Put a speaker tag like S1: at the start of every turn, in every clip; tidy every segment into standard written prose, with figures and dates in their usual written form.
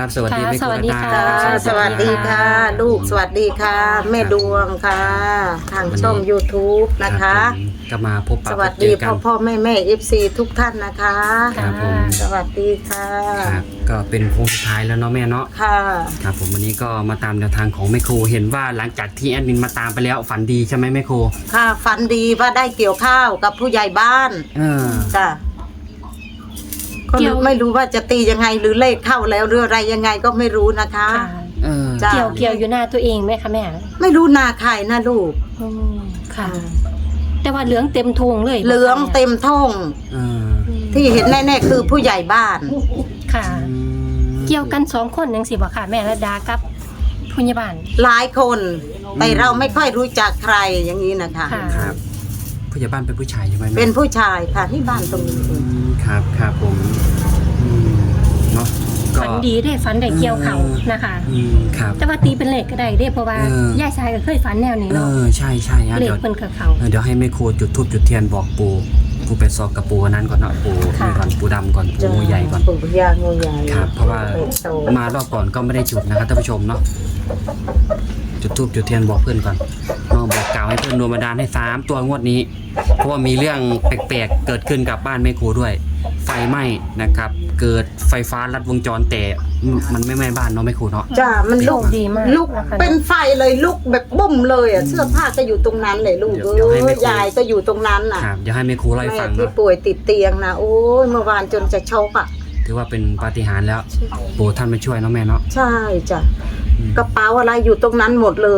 S1: สวัสดีแม่ครู
S2: สวัสดี
S1: รัต
S2: ค่ะ
S1: นา
S3: สวัสดีค่ะ ลูกสวัสดีค่ะ แม่ดวงค่ะ ทางช่อง YouTube นะคะ
S1: ผมก็มาพบปะ
S3: สวัส
S1: เจ
S3: ดี
S1: อกัน
S3: พ่อแม่ FC ทุกท่านนะคะ
S1: ครับผม
S3: สวัสดีค่ะ
S1: ครับก็เป็นโค้งสุดท้ายแล้วเนาะแม่เนาะ
S3: ค่ะ
S1: ครับผมวันนี้ก็มาตามแนวทางของแม่ครูเห็นว่าหลังจากที่แอดมินมาตามไปแล้วฝันดีใช่ไหมแม่ครู
S3: ค่ะฝันดีว่าได้เกี่ยวข้าวกับผู้ใหญ่บ้าน
S1: เออ
S3: จ้ะก็
S2: เกี่ยว
S3: ไม่รู้ว่าจะตียังไงหรือเลขเข้าแล้วหรืออะไรยังไงก็ไม่รู้นะคะ
S2: ค่ะ
S1: เออ
S3: จ้ะ
S2: เกี่ยวอยู่หน้าตัวเองไหมคะแม่
S3: ไม่รู้นาใครนะลูก
S2: อืมค่ะ แต่ว่าเหลืองเต็มทงเลย
S3: เหลืองเต็มท้อง
S1: เออ
S3: ที่เห็นแน่ๆคือผู้ใหญ่บ้าน
S2: ค่ะ เกี่ยวกัน2 คนยังสิบ่ค่ะแม่ระดากับพยาบาล
S3: หลายคนแต่เราไม่ค่อยรู้จักใครอย่างนี้นะคะ
S2: ค่ะ
S1: ครับผู้ใหญ่บ้านเป็นผู้ชายใช่ไหมแม่
S3: เป็นผู้ชายค่ะที่บ้านตรงนี้
S1: ครับครับผมเนาะก็
S2: ฝันดีได้ฝันได้เกี่ยวเขานะคะ
S1: ครับ
S2: แต่ว่าตีเป็นเลขก็ได้เด้เพราะว่า
S1: เออ
S2: ย่าชายก็เคยฝันแนวนี้
S1: เอ
S2: เนาะ
S1: อใช่ใช่ฮะ
S2: เลข
S1: เดี๋ยว
S2: เพิ่นกับเขา
S1: เดี๋ยวให้แม่ครูจุดธูปจุดเทียนบอกปู่ไปซอกกับปู่นั้นก่อนเนาะปู่
S2: ค่ะ
S1: นี่ก่อนปู่ดำก่อนปู่งูใหญ่ก่อน
S3: ปู่ย่างูใหญ่
S1: ครับเพราะว่า
S3: โต
S1: มารอบก่อนก็ไม่ได้จุดนะครับท่านผู้ชมเนาะจุดธูปจุดเทียนบอกเพื่อนก่อนเนาะบอกกล่าวให้เพื่อนดวงบันดาลให้3 ตัวงวดนี้ เพราะว่ามีเรื่องแปลกๆเกิดขึ้นกับบ้านแม่ครูด้วย ไฟไหม้นะครับ เกิดไฟฟ้าลัดวงจรแต่มันไม่ไหม้บ้านเนาะแม่ครูเนาะ
S3: จ้ามัน
S2: โช
S3: ลุ
S2: ค
S3: ก
S2: ดีมาก
S3: ลุก
S2: นะคะ
S3: เป็นไฟเลยลุกแบบบุ้มเลยอ่ะเสื้อผ้าก็อยู่ตรงนั้นเลยลูก
S1: เดี๋ยวให้แม่ครู
S3: ยายก็อยู่ตรงนั้นน่ะ
S1: ครับเดี๋ยวให้แม่ครูเล่าให้
S3: แม่
S1: ฟัง
S3: ที่
S1: เนาะ
S3: ป่วยติดเตียงนะโอ้ยเมื่อวานจนจะช็อกอ่ะ
S1: ถือว่าเป็นปาฏิหาริย์แล้วปู่ท่านมาช่วยเนาะแม่เนาะ
S3: ใช่จ้ะ
S1: อืม
S3: กระเป๋าอะไรอยู่ตรงนั้นหมดเลย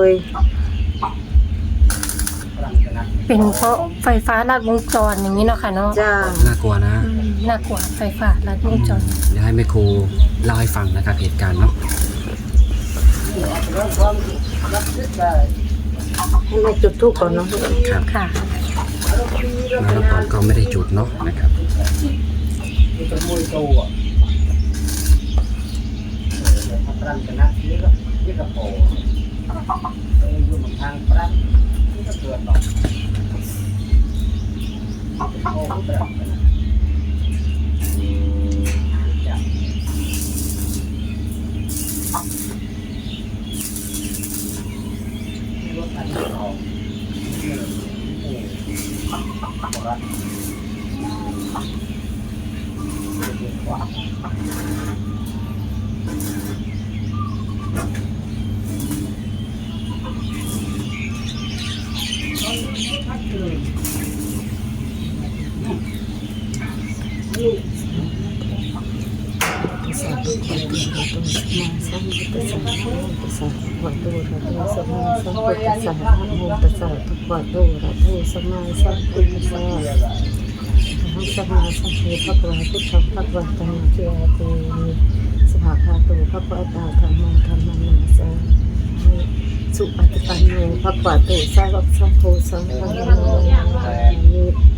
S2: เป็นเพราะไฟฟ้าลัดวงจรอย่างนี้เนาะค่ะเนาะ
S3: จ้า
S1: น่ากลัวนะ
S2: น่ากลัวไฟฟ้าลัดวงจร
S1: เดี๋ยวให้แม่ครูเล่าให้ฟังนะครับเหตุการณ์เนาะ
S3: ให้แม่จุดธูปก่อนเนาะ
S1: ครับ
S2: ค่ะ
S1: มารอบก่อนก็ไม่ได้จุดเนาะนะครับ
S3: สุปฏิปันโนภควาโตสาวกสังโฆสังฆังนามิ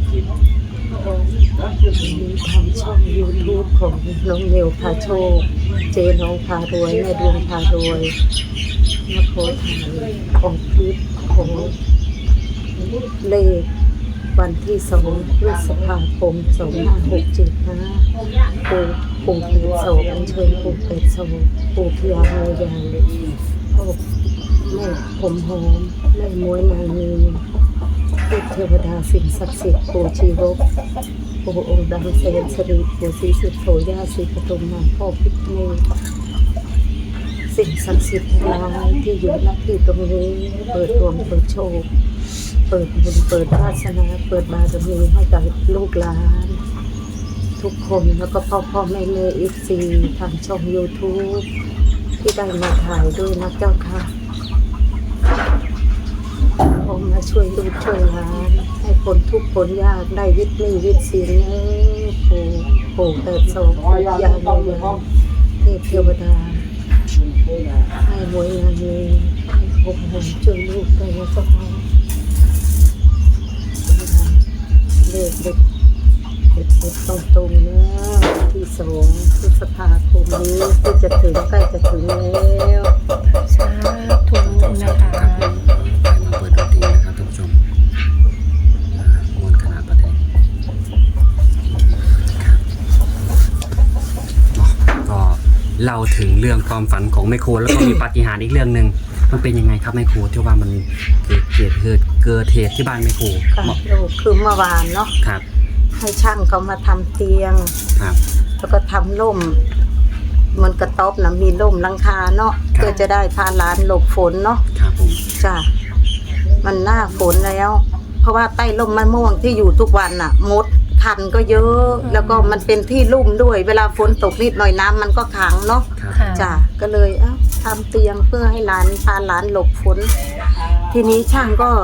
S3: มีทางช่อง YouTube ของน้องเนวพาโชค เจน้องพารวยแม่ดวงพารวยมาโพสต์ถ่ายออกคลิปของเลขวันที่2 พฤษภาคม 2567นะปู่เป็ดโสอัญเชิญปู่เป็ดโสปู่พญางูใหญ่พ่อแม่ผมหอมแม่มวยนางนีเทวดาสิ่งศักดิ์สิทธิ์ปู่ชีวกปู่องค์ดำเสนสรีปู่ศรีสุโธย่าศรีปฐุมมาพ่อพิษเมฆสิ่งศักดิ์สิทธิ์ทั้งหลายที่อยู่ณที่ตรงนี้เปิดดวงเปิดโชคเปิดบุญเปิดวาสนาเปิดบารมีให้กับลูกหลานทุกคนแล้วก็พ่อแม่อีซีทางช่อง YouTube ที่ได้มาถ่ายด้วยนะเจ้าค่ะขอมาช่วยลูกช่วยหลานให้คนทุกข์คนยากได้วิตนี้วิตศีลเนอปู่เติบโตยาโมยาเทพเทวดาให้มวยงานนี้ให้ผมช่วยลูกได้นะเจ้าค่ะเด็กเด็กตรงๆนะที่2 พฤษภาคมนี้ที่จะถึงใกล้จะถึงแล้ว
S2: สาธุนะคะ
S1: ไปมาเปิดดนตรีนะครับท่านผู้ชมมวลคณะประเทศครับเนาะก็เล่าถึงเรื่องความฝันของแม่ครูแล้วก็มีปาฏิหาริย์อีกเรื่องหนึ่งมันเป็นยังไงครับแม่ครูที่ว่ามันเกิดเหตุที่บ้านแม่ครู
S3: ค่ะลูกคือเมื่อวานเนาะ
S1: ครับ
S3: ให้ช่างเขามาทำเตียง
S1: ครับ
S3: แล้วก็ทำร่มมันกระต๊อบนะมีร่มหลังคาเนาะเพื่อจะได้พาหลานหลบฝนเนาะ
S1: ครับผม
S3: จ้ะมันหน้าฝนแล้ว เพราะว่าใต้ร่มมะม่วงที่อยู่ทุกวันน่ะมดคันก็เยอะ แล้วก็มันเป็นที่ลุ่มด้วย เวลาฝนตกนิดหน่อยน้ำมันก็ขังเนาะ
S1: ครับ
S2: ค่ะ
S3: จ้ะก็เลยทำเตียงเพื่อให้หลานพาหลานหลบฝนทีนี้ช่างก็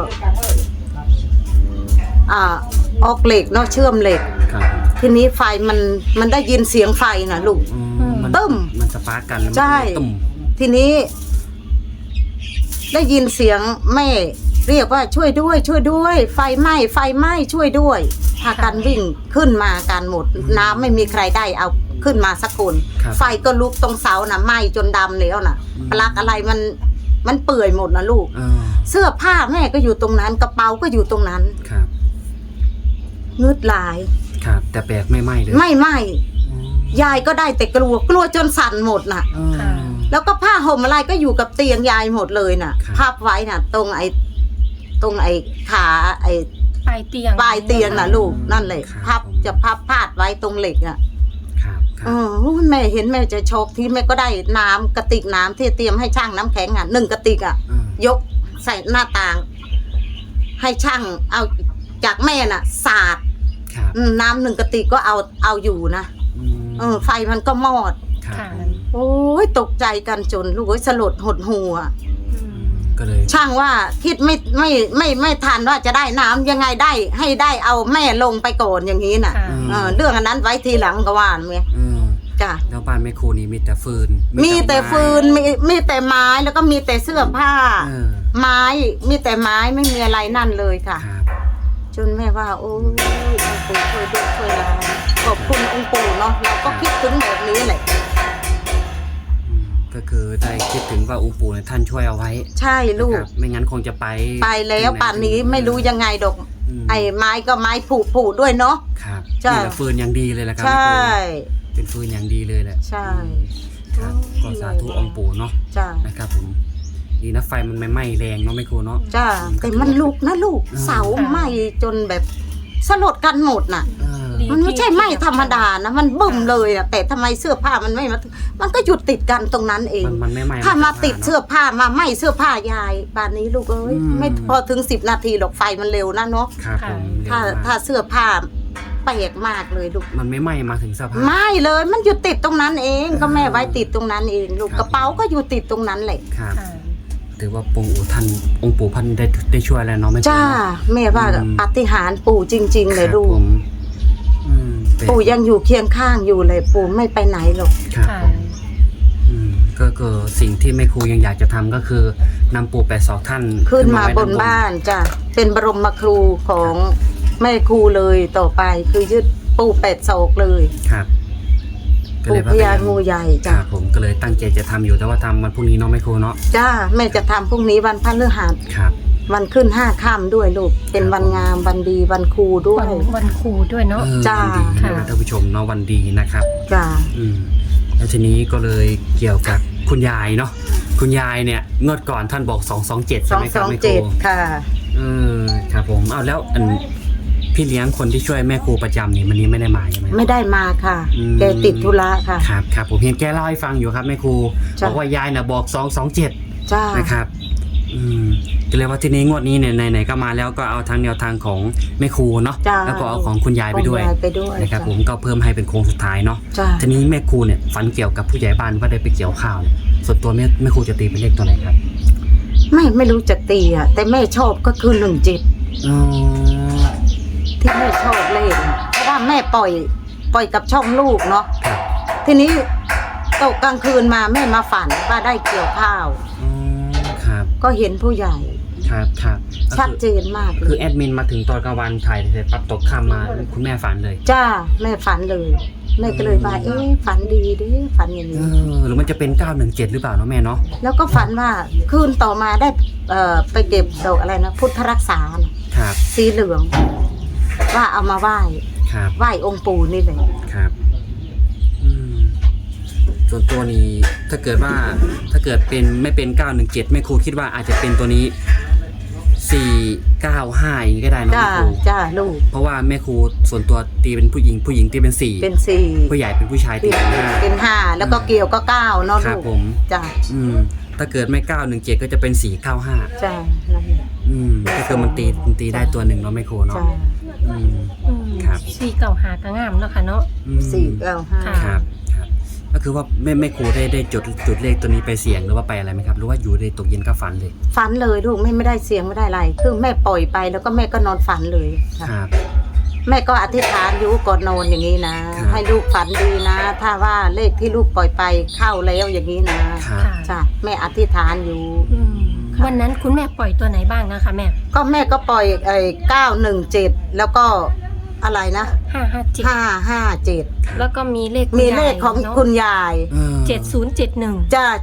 S3: ออกเหล็กเนาะเชื่อมเหล็ก
S1: ครับผม
S3: ทีนี้ไฟมันได้ยินเสียงไฟนะลูก
S1: มัน
S3: ตึ้ม
S1: มันสปาร์กกันแล้วมัน
S3: ใช่
S1: ก็เลยตุ่ม
S3: ทีนี้ ได้ยินเสียงแม่เรียกว่าช่วยด้วย ช่วยด้วย ไฟไหม้ไฟไหม้ช่วยด้วยพากันวิ่งขึ้นมากันหมด น้ำไม่มีใครได้เอาขึ้นมาสักคน
S1: ครับ
S3: ไฟก็ลุกตรงเสานะไหม้จนดำแล้วนะปลั๊กอะไรมันเปื่อยหมดนะลูก เสื้อผ้าแม่ก็อยู่ตรงนั้นกระเป๋าก็อยู่ตรงนั้น
S1: ครับ
S3: งึดหลาย
S1: ครับแต่แปลกไม่ไหม้เลย
S3: ไม่ไหม้
S1: อืม
S3: ยายก็ได้แต่กลัวจนสั่นหมดน่ะ
S2: ค่ะ
S3: แล้วก็ผ้าห่มอะไรก็อยู่กับเตียงยายหมดเลยน่ะ
S1: ครับ
S3: พับไว้น่ะ ตรงไอ้ขาไอ้
S2: ปลายเตียง
S3: ปลายเตียงน่ะลูกนั่นเลย
S1: ครับ
S3: จะพับพาดไว้ตรงเหล็กน่ะ
S1: ครับครับ
S3: แม่เห็นแม่จะช็อกที่แม่ก็ได้น้ำกระติกน้ำที่เตรียมให้ช่างน้ำแข็งอ่ะ1กระติกอ่ะ
S1: อืม
S3: ยกใส่หน้าต่าง ให้ช่างเอาจากแม่น่ะสาด
S1: ครับ
S3: น้ำ1กระติกก็เอาอยู่นะ ไฟมันก็มอด
S1: ครับ
S2: ค่ะ
S1: ผม
S3: โอ้ยตกใจกันจนลูกเอ้ยสลดหดหูอ่ะ
S1: ก็เลย
S3: ช่างว่าคิดไม่ทันว่าจะได้น้ำยังไงได้ให้ได้เอาแม่ลงไปก่อนอย่างนี้น่ะ
S2: ค่ะ
S3: เรื่องอันนั้นไว้ทีหลังก็ว่าไง
S1: อืม
S3: จ้ะ
S1: แล้วบ้านแม่ครูนี่มีแต่ฟืน
S3: มีแต่ฟืนมีแต่ไม้แล้วก็มีแต่เสื้อผ้า
S1: เออ
S3: ไม้มีแต่ไม้ไม่มีอะไรนั่นเลยค่ะ
S1: ครับ
S3: จนแม่ว่า โอ้ยองค์ปู่ช่วยด้วยช่วยเราขอบคุณองค์ปู่เนาะเราก็คิดถึงแบบนี้แหละ
S1: อืมก็คือได้คิดถึงว่าองค์ปู่เนี่ยท่านช่วยเอาไว้
S3: ใช่ลูก
S1: นะครับไม่งั้นคงจะไป
S3: ไปแล้วป่านนี้ไม่รู้ยังไงดอก
S1: อืม
S3: ไอ้ไม้ก็ไม้ผุด้วยเนาะ
S1: ครับ
S3: ใช่
S1: นี่แหละฟืนอย่างดีเลยแหละครับ
S3: ใช่
S1: แม่ครูเป็นฟืนอย่างดีเลยแหละ
S3: ใช่
S1: ครับก็สาธุองค์ปู่เนาะ
S3: จ้า
S1: นะครับผมดีนะไฟมันไม่ไหม้แรงเนาะแม่ครูเนาะ
S3: จ้าแต่มันลุกนะลูก
S1: อืม
S3: เสาไหม้จนแบบสลดกันหมดน่ะ
S1: เออ
S2: ดี
S3: มันไม่ใช่ไหม้ธรรมดานะมันบึ้มเลยอะแต่ทำไมเสื้อผ้ามันไม่มามันก็หยุดติดกันตรงนั้นเอง
S1: มันไม่ไหม้
S3: ถ้ามาติด
S1: นอะ
S3: เสื้อผ้ามาไหม้เสื้อผ้ายายป่านนี้ลูกเอ้ย
S1: อืม
S3: ไม่พอถึง10 นาทีหรอกไฟมันเร็วนะเนาะ
S1: ครับผมเร็ว
S3: ถ้าม
S1: าก
S3: ถ้าเสื้อผ้าแปลกมากเลยลูก
S1: มันไม่ไหม้มาถึงเสื้อผ้า
S3: ไม่เลยมันอยู่ติดตรงนั้นเองก็แม่ไว้ติดตรงนั้นเองลูก
S1: ครับ
S3: กระเป๋าก็อยู่ติดตรงนั้นแหละ
S1: ครับ
S2: ค่ะ
S1: ถือว่าองค์ปู่ท่านได้ช่วยแล้วเนาะแม่ครู
S3: จ้า
S1: เนาะ
S3: แม่ว่า
S1: อืม
S3: ปาฏิหาริย์ปู่จริง ๆ เลยลู
S1: ค
S3: ก
S1: รับผมอืมเป็น
S3: ปู่ยังอยู่เคียงข้างอยู่เลยปู่ไม่ไปไหนหรอก
S1: ครับ
S2: ค่ะ
S1: ผมอืมก็คือสิ่งที่แม่ครูยังอยากจะทำก็คือนำปู่82ท่าน
S3: ขึ้นมา
S1: ไว้
S3: บนบ้านจ้ะเป็นบรมครูของแม่ครูเลยต่อไปคือยึดปู่8 ศอกเลย
S1: ครับก็
S3: ปู่
S1: เลย
S3: พญางูใหญ่
S1: ค
S3: จ้ะ
S1: รับผมก็เลยตั้งใจจะทำอยู่แต่ว่าทำวันพรุ่งนี้เนาะแม่ครูเนาะ
S3: จ้าแม่จะทำพรุ่งนี้วันพฤหัส
S1: ครับ
S3: วันขึ้น5 ค่ำด้วยลูกเป็นวันงามวันดีวันครูด้ว
S2: วั
S3: ย
S2: นวันครูด้วยเนาะ
S1: เออ
S3: จ้า
S1: วันดีนะ
S2: ค่ะ
S1: ครับท่านผู้ชมเนาะวันดีนะครับ
S3: จ้า
S1: อืมแล้วทีนี้ก็เลยเกี่ยวกับคุณยายเนาะคุณยายเนี่ยงวดก่อนท่านบอก227ใช่ไหมครับแม่ครู
S3: 227ค่ะ
S1: ครับผมเอาแล้วอันพี่เลี้ยงคนที่ช่วยแม่ครูประจำนี่วันนี้ไม่ได้มาใช่ไหม
S3: ไม่ได้มาค่ะ
S1: อืม
S3: แกติดธุระค่ะ
S1: ครับครับผมเห็นแกเล่าให้ฟังอยู่ครับแม่ครู
S3: จ้ะ
S1: บอกว่ายายน่ะบอก227
S3: จ้า
S1: นะครับก็เลยว่าทีนี้งวดนี้เนี่ยไหนๆก็มาแล้วก็เอาทางแนวทางของแม่ครูเนาะ
S3: จ้า
S1: แล้วก็เอาของคุณยายไปด้วย
S3: ของยายไปด้วย
S1: นะครับ
S3: จ้ะ
S1: ผมก็เพิ่มให้เป็นโค้งสุดท้ายเนาะ
S3: จ้า
S1: ทีนี้แม่ครูเนี่ยฝันเกี่ยวกับผู้ใหญ่บ้านว่าได้ไปเกี่ยวข้าวเนี่ยส่วนตัวแม่ครูจะตีเป็นเลขตัวไหนครับ
S3: ไม่รู้จะตีอ่ะแต่แม่ชอบก็คือ17
S1: อ๋อ
S3: ที่แม่ชอบเล่นเพราะว่าแม่ปล่อยกับช่องลูกเนาะ
S1: ครับ
S3: ทีนี้ตกกลางคืนมาแม่มาฝันว่าได้เกี่ยวข้าว
S1: อ๋อครับ
S3: ก็เห็นผู้ใหญ่
S1: ครับครับ
S3: ชัดเจนมากเล
S1: คือย แอดมินมาถึงตอนกลางวันถ่ายเสร็จปั๊บตกค่ำมาคุณแม่ฝันเลย
S3: จ้าแม่ฝันเลยแม่ก็เลยว่าฝันดีดิฝันอย่างนี้
S1: หรือมันจะเป็น917หรือเปล่าเนาะแม่เนาะ
S3: แล้วก็ฝันว่าคืนต่อมาได้ไปเก็บดอกอะไรนะพุทธรักษาน่ะ
S1: ครับ
S3: สีเหลือง ว่าเอามาไหว้
S1: ครับ
S3: ไหว้องค์ปู่นี่เลย
S1: ครับอืมส่วนตัวนี้ถ้าเกิดเป็นไม่เป็น917แม่ครูคิดว่าอาจจะเป็นตัวนี้495อย่างนี้ก็ได้เนอะ
S3: จ้า
S1: แม่ครู
S3: จ้าลูก
S1: เพราะว่าแม่ครูส่วนตัวตีเป็นผู้หญิงตีเป็น4
S3: เป็นสี่
S1: ผู้ใหญ่เป็นผู้ชายตีเป็น5
S3: เป็นห้าแล้วก็เกี่ยวก็เก้าเนาะ
S1: ครั
S3: ลู
S1: บ
S3: ก
S1: ผม
S3: จ้า
S1: ถ้าเกิดไม่917ก็จะเป็น495
S3: จ้านั่นแหละ
S1: ก็คือมันตีได้ตัวหนึ่งเนาะแม่ครูเนาะ
S3: จ้า
S1: อืม ครับ
S2: 495ก็งามเนาะค่ะเนาะ
S1: อืม
S3: 495
S2: ค่ะ
S1: ครับก็คือว่าแม่ครูได้จุดเลขตัวนี้ไปเสี่ยงหรือว่าไปอะไรไหมครับหรือว่าอยู่ในตกเย็นก็ฝันเลย
S3: ฝันเลยลูกไม่ได้เสียงไม่ได้อะไรคือแม่ปล่อยไปแล้วก็แม่ก็นอนฝันเลยค่ะ
S1: ครับ
S3: แม่ก็อธิษฐานอยู่ก่อนนอนอย่างนี้นะ
S1: ครับ
S3: ให้ลูกฝันดีนะ ถ้าว่าเลขที่ลูกปล่อยไปเข้าแล้วอย่างนี้นะครับ
S2: ค่ะ
S3: จ้ะแม่อธิษฐานอยู่
S2: อืมวันนั้นคุณแม่ปล่อยตัวไหนบ้างนะคะแม่
S3: ก็แม่ก็ปล่อย917แล้วก็อะไรนะ
S2: 557
S3: 557
S2: แล้วก็มีเลข
S3: มีเลขของคุณยาย
S2: 7071
S3: จ้า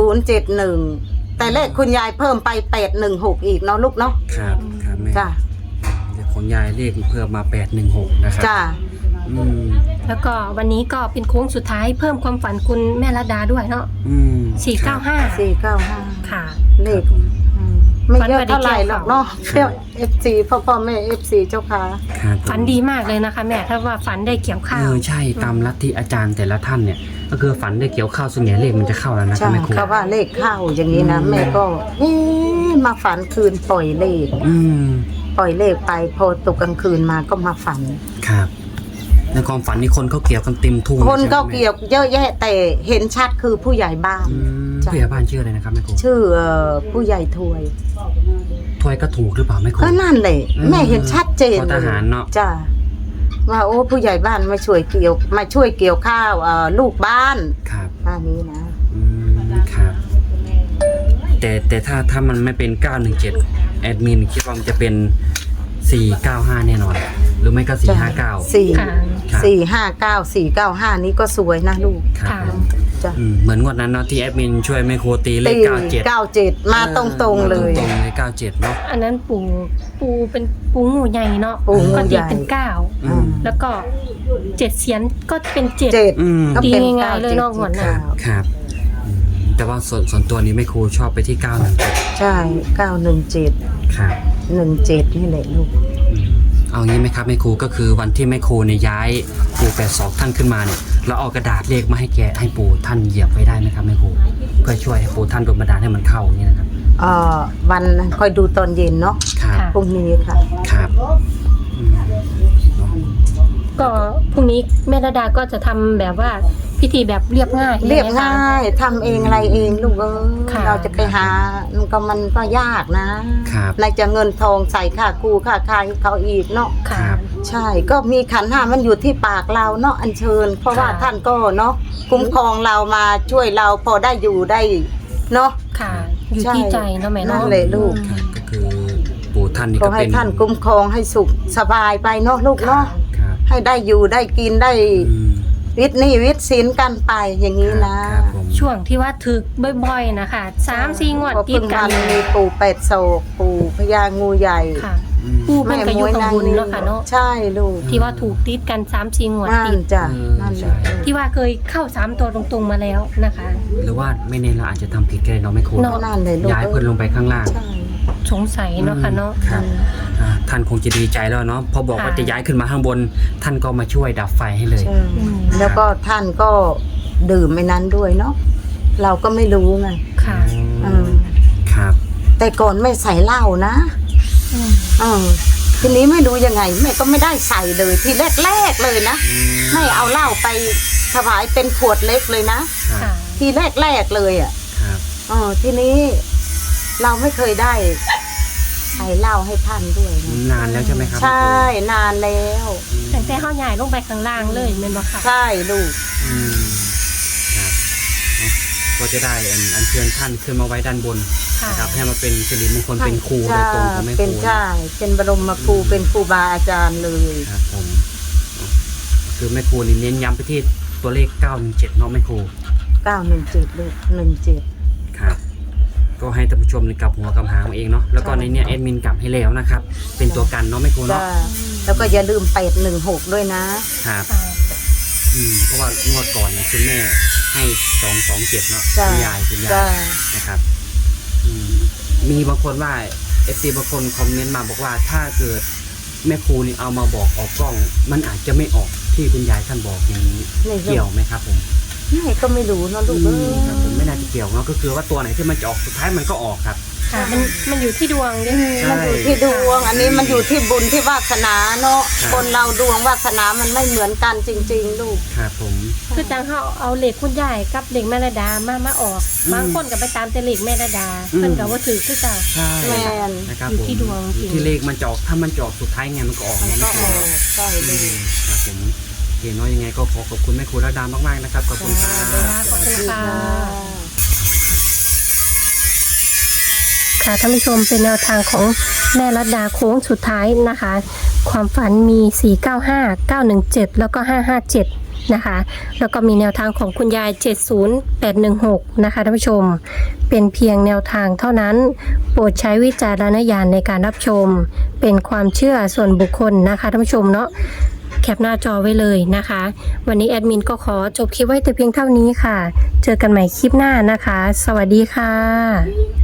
S3: 7071แต่เลขคุณยายเพิ่มไป816อีกเนาะลูกเนาะ
S1: ครับแม่
S3: จ้า
S1: เดี๋ยวของยายเลขเพิ่มมา816นะครับ
S3: จ้า
S1: อืม
S2: แล้วก็วันนี้ก็เป็นโค้งสุดท้ายเพิ่มความฝันคุณแม่รัตดาด้วยเนาะ
S1: อืม
S2: 495
S3: 495
S2: ค่ะ
S3: เลขไม่เยอะเท่าไหร่หรอกเนาะเที่ยว FC พ่อแม่ FC เจ้าค่ะ
S1: ครับ
S2: ฝันดีมากเลยนะคะแม่ถ้าว่าฝันได้เกี่ยวข้าว
S1: ใช่ตามลัทธิอาจารย์แต่ละท่านเนี่ย ก็คือฝันได้เกี่ยวข้าวส่วนใหญ่เลขมันจะเข้าแล้วนะครั
S3: ใช่
S1: บแม่ครู
S3: เขาว่าเลขเข้าอย่างนี้นะ แม่ก็มาฝันคืนปล่อยเลข
S1: อืม
S3: ปล่อยเลขไปพอตกกลางคืนมาก็มาฝัน
S1: ครับในความฝันนี่คนเขาเกี่ยวกันเต็มทุ่ง
S3: คนก็
S1: ใช่ไหม
S3: เกี่ยวเยอะแยะแต่เห็นชัดคือผู้ใหญ่บ้าน
S1: อืม
S3: จ้ะ
S1: ผู้ใหญ่บ้านชื่ออะไรนะครับแม่ครู
S3: ชื่อผู้ใหญ่ถวย
S1: ถ้วยก็ถูกหรือเปล่าแม่ครู
S3: ก็นั่นแหละ
S1: อืม
S3: แม่เห็นชัดเจน
S1: พอทหารเนอะ
S3: จ้าว่าโอ้ผู้ใหญ่บ้านมาช่วยเกี่ยวข้าวลูกบ้าน
S1: ครับ
S3: อันนี้นะ
S1: อืมครับ แต่ถ้ามันไม่เป็น917แอดมินคิดว่ามันจะเป็น495แน่นอน หรือไม่ก็459
S3: 4
S2: ค่ะ
S1: ครับ
S3: 459 นี้ก็สวยนะลูก
S1: ครับ
S2: ค่ะ
S1: ผม
S3: จ้ะ
S1: เหมือนงวดนั้นเนาะที่แอดมินช่วยแม่ครูตีเลข
S3: ตี
S1: 97
S3: 97 มาตรงๆเลย
S1: ตรงๆเลย97เนาะ
S2: อันนั้นปูเป็นปูงูใหญ่เนาะ
S3: ปูงู
S2: ก็
S3: ให
S2: ตี
S3: ญ่
S2: เป็น9
S1: อืม
S2: แล้วก็7เสียนก็เป็น7
S3: 7
S1: อืม
S3: ก็เป็น
S2: ดีง่ายๆเลยเนาะหัวหน้า
S1: ครับอืมแต่ว่าส่วนตัวนี้แม่ครูชอบไปที่917
S3: ใช่ 917
S1: ครับ
S3: 17 นี่แหละลูก
S1: อืมเอางี้ไหมครับแม่ครูก็คือวันที่แม่ครูเนี่ยย้ายปู่82ท่านขึ้นมาเนี่ยเราเอากระดาษเลขมาให้ปู่ท่านเหยียบไว้ได้ไหมครับแม่ครูเพื่อช่วยให้ปู่ท่านโดนบันดาลให้มันเข้าอย่างนี้นะครับ
S3: วันคอยดูตอนเย็นเนาะ
S1: ครับ
S2: ค่ะ
S3: พรุ่งนี้ค่ะ
S1: ครับอืมเนาะ
S2: ก็พรุ่งนี้แม่ระดาก็จะทำแบบว่าพิธีแบบเรียบง่าย
S3: เรียบ
S2: ใช่ไหมคะ
S3: ง่ายทำเองอะไรเองลูก
S2: ค่ะ
S3: เราจะไปหามันก็ยากนะครับ ในจะเงินทองใส่ค่ากู้ค่าคายเขาอีกเนาะ
S2: ค่ะ
S1: ครับ
S3: ใช่ก็มีขันธ์ห้ามันอยู่ที่ปากเราเนาะอัญเชิญ เพราะว่า
S2: ค่ะ
S3: ท่านก็เนาะคุ้มครองเรามาช่วยเราพอได้อยู่ได้เนาะ
S2: ค่ะ อยู่ที่ใจเนาะแม่
S3: นั่
S2: เนาะ
S3: นแหละลูก
S1: ครับก็คือปู่ท่านนี่
S3: ขอ
S1: ก็
S3: ให้
S1: เป็น
S3: ท่านคุ้มครองให้สุขสบายไปเนาะลูกเนาะ
S1: ครับ
S3: ให้ได้อยู่ได้กินได้
S1: อืม
S3: วิทย์นี่วิทย์ศีลกันไปอย่างนี้นะครับ
S1: ผม
S2: ช่วงที่ว่าถึกบ่อยๆนะคะ3-4งวด
S3: พอ
S2: ติ
S3: เพิ่
S2: ด
S3: ง
S2: กั
S3: วัน นมีปู่เป็ดโศกปู่พญางูใหญ่
S2: ค่ะ
S1: อืม
S2: ปูเป็นกระยุกบุญเนาะค่ะเนาะ
S3: ใช่ลูก
S2: ที่ว่าถูกติดกัน3-4งวด
S3: นั่น
S2: ติด
S3: จ้ะ
S1: เออ
S3: นั่นแห
S1: ใช่
S3: ละ
S2: ที่ว่าเคยเข้า3ตัวตรงๆมาแล้วนะคะ
S1: หรือว่าไม่แน่เราอาจจะทำผิดก็ได้เนาะแม่ครู
S2: เนาะ
S3: นั่นเลยลูก
S1: ย้ายเพิ่นลงไปข้างล่าง
S3: ใช่
S2: สงสัยเนาะค่ะเนาะ
S1: ครับท่านคงจะดีใจแล้วเนาะพอบอกว่า
S2: ค่ะ
S1: จะย้ายขึ้นมาข้างบน ท่านก็มาช่วยดับไฟให้เลย
S3: ใช่แล้วก็ท่านก็ดื่มไม่นั้นด้วยเนาะเราก็ไม่รู้ไง
S2: ค่ะ
S3: อืม
S1: ครับ
S3: แต่ก่อนไม่ใส่เหล้านะ
S2: อืม
S3: ทีนี้ไม่รู้ยังไงแม่ก็ไม่ได้ใส่เลยทีแรกๆเลยนะไม่เอาเหล้าไปถวายเป็นขวดเล็กเลยนะ
S1: ครั
S2: ค่ะ
S1: บ
S3: ทีแรกๆเลยอ่ะ
S1: ครับ
S3: ทีนี้เราไม่เคยได้ใส่เหล้าให้ท่านด้วยนะ
S1: นานแล้วใช่ไหมครับ
S3: ใช่นานแล้ว
S2: แต่แต่เฮาใหญ่ลงไปข้างล่างเลยแม่นบ่ค่ะ
S3: ใช่ลูก
S1: อืมครับเนาะก็จะได้อัญเชิญท่านขึ้นมาไว้ด้านบน
S2: ค่ะ
S1: นะครับให้มาเป็นสิริมงคลเป็นครูโดยตรงของแม่ค
S3: เป็น
S1: รู
S3: ใช่เป็นบรมครูเป็นครูบาอาจารย์เลย
S1: ครับผมคือแม่ครูนี่เน้นย้ำไปที่ตัวเลข917เนาะแม่ครู
S3: 917ลูก17
S1: ครับ ก็ให้ท่านผู้ชมนี่กลับหัวกลับหางเอาเองเนาะแล้วก็ในเนี้ยแอดมินกลับให้แล้วนะครับ เป็นตัวกันเนาะแม่ครู
S3: จ้า
S1: เนาะ
S3: แล้วก็อย่าลืม816ด้วยนะครับ
S2: ค่ะ
S1: เพราะว่างวดก่อนเนี่ยคุณแม่ให้227เนาะ
S3: จ้า
S1: คุณยาย
S3: จ้า
S1: นะครับมีบางคนว่าFTบางคนคอมเมนต์มาบอกว่าถ้าเกิดแม่ครูนี่เอามาบอกออกกล้อง มันอาจจะไม่ออกที่คุณยายท่านบอกอย่างนี้เกี่ยวไหมครับผม
S3: แม่ก็ไม่รู้เนอะลูกเอ้ย
S1: ครับผมไม่น่าจะเกี่ยวเนาะก็คือว่าตัวไหนที่มันจะออกสุดท้ายมันก็ออกครับ
S2: ค่ะมันอยู่ที่ดวงด้วย
S1: ใช่
S3: มันอยู่ที่ดวง อันนี้มันอยู่ที่บุญที่วาสนาเนาะ
S1: ครับ
S3: คนเราดวงวาสนามันไม่เหมือนกันจริง ๆ ลูก
S1: ครับผม
S2: คือจังเขาเอาเหล็กคุณยายกับเหล็กแม่ระดามาออกบางคนก็ไปตามแต่เหล็กแม่ระดาเพิ่นก็ว่าถือคือเก่า
S1: ใช่
S3: แม่น
S1: นะครับ
S2: อยู่
S1: ผม
S2: ที่ดวงจริง
S1: อยู่ที่เลขมันจะออกถ้ามันจะออกสุดท้ายไงมันก็ออก
S3: มัน
S1: นะ
S3: ก็
S1: แม่ค
S3: อ
S1: รู
S3: อกใช่เลย
S1: ครับผมเห็นว่ายังไงก็ขอบคุณแม่ครูระดามากๆนะครับขอบคุณครับ
S2: ขอบคุณค่ะ ค่ะท่านผู้ชมเป็นแนวทางของแม่รัตดาโค้งสุดท้ายนะคะ ความฝันมี 495 917 แล้วก็ 557 นะคะ แล้วก็มีแนวทางของคุณยาย 70816 นะคะท่านผู้ชม เป็นเพียงแนวทางเท่านั้น โปรดใช้วิจารณญาณในการรับชม เป็นความเชื่อส่วนบุคคลนะคะท่านผู้ชมเนาะ แคปหน้าจอไว้เลยนะคะ วันนี้แอดมินก็ขอจบคลิปไว้แต่เพียงเท่านี้ค่ะ เจอกันใหม่คลิปหน้านะคะ สวัสดีค่ะ